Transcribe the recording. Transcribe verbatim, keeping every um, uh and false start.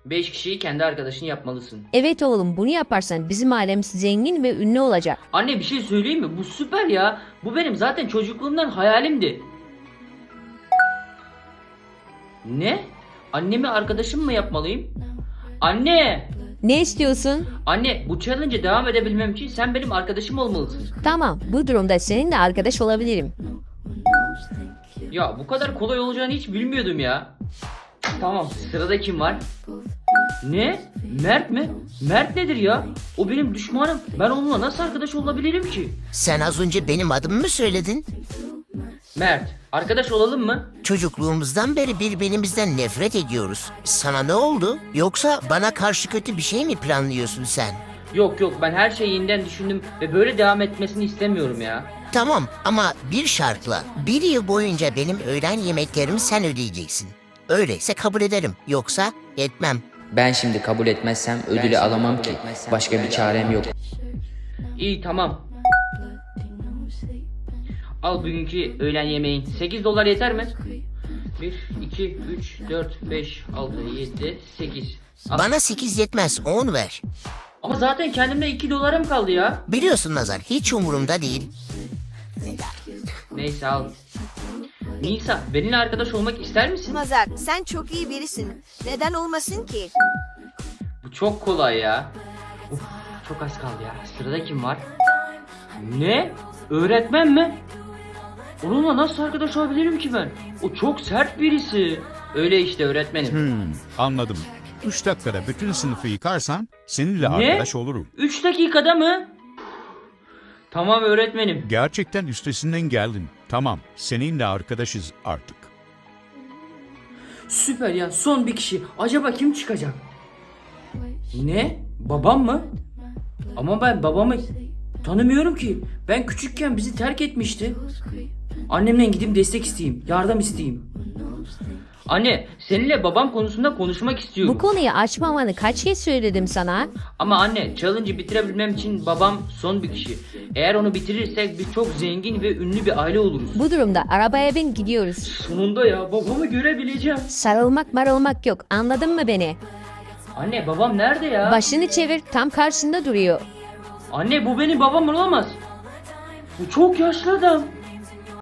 Beş kişiyi kendi arkadaşın yapmalısın. Evet oğlum, bunu yaparsan bizim ailemiz zengin ve ünlü olacak. Anne bir şey söyleyeyim mi? Bu süper ya. Bu benim zaten çocukluğumdan hayalimdi. Ne? Annemi arkadaşım mı yapmalıyım? Anne! Ne istiyorsun? Anne bu challenge'e devam edebilmem için sen benim arkadaşım olmalısın. Tamam, bu durumda seninle arkadaş olabilirim. Ya bu kadar kolay olacağını hiç bilmiyordum ya. Tamam, sırada kim var? Ne? Mert mi? Mert nedir ya? O benim düşmanım. Ben onunla nasıl arkadaş olabilirim ki? Sen az önce benim adımı mı söyledin? Mert, arkadaş olalım mı? Çocukluğumuzdan beri birbirimizden nefret ediyoruz. Sana ne oldu? Yoksa bana karşı kötü bir şey mi planlıyorsun sen? Yok yok, ben her şeyi yeniden düşündüm ve böyle devam etmesini istemiyorum ya. Tamam ama bir şartla. Bir yıl boyunca benim öğlen yemeklerimi sen ödeyeceksin. Öyleyse kabul ederim. Yoksa etmem. Ben şimdi kabul etmezsem ödülü alamam ki. Başka bir çarem yok. İyi tamam. Al bugünkü öğlen yemeğin. sekiz dolar yeter mi? bir, iki, üç, dört, beş, altı, yedi, sekiz. Al. Bana sekiz yetmez. on ver. Ama zaten kendimde iki dolarım kaldı ya. Biliyorsun Nazar, hiç umurumda değil. Neyse al. Nisa, benimle arkadaş olmak ister misin? Mazar, sen çok iyi birisin. Neden olmasın ki? Bu çok kolay ya. Uf, çok az kaldı ya. Sırada kim var? Ne? Öğretmen mi? Onunla nasıl arkadaş olabilirim ki ben? O çok sert birisi. Öyle işte öğretmenim. Hmm, anladım. Üç dakikada bütün sınıfı yıkarsan seninle Ne? arkadaş olurum. Üç dakikada mı? Tamam öğretmenim. Gerçekten üstesinden geldin. Tamam, seninle arkadaşız artık. Süper ya, son bir kişi. Acaba kim çıkacak? Ne? Babam mı? Ama ben babamı tanımıyorum ki. Ben küçükken bizi terk etmişti. Annemden gidip destek isteyeyim. Yardım isteyeyim. Anne, seninle babam konusunda konuşmak istiyorum. Bu konuyu açmamanı kaç kez söyledim sana? Ama anne, challenge'ı bitirebilmem için babam son bir kişi. Eğer onu bitirirsek biz çok zengin ve ünlü bir aile oluruz. Bu durumda arabaya bin, gidiyoruz. Sonunda ya, babamı görebileceğim. Sarılmak marılmak yok, anladın mı beni? Anne, babam nerede ya? Başını çevir, tam karşında duruyor. Anne, bu benim babam olamaz. Bu çok yaşlı adam.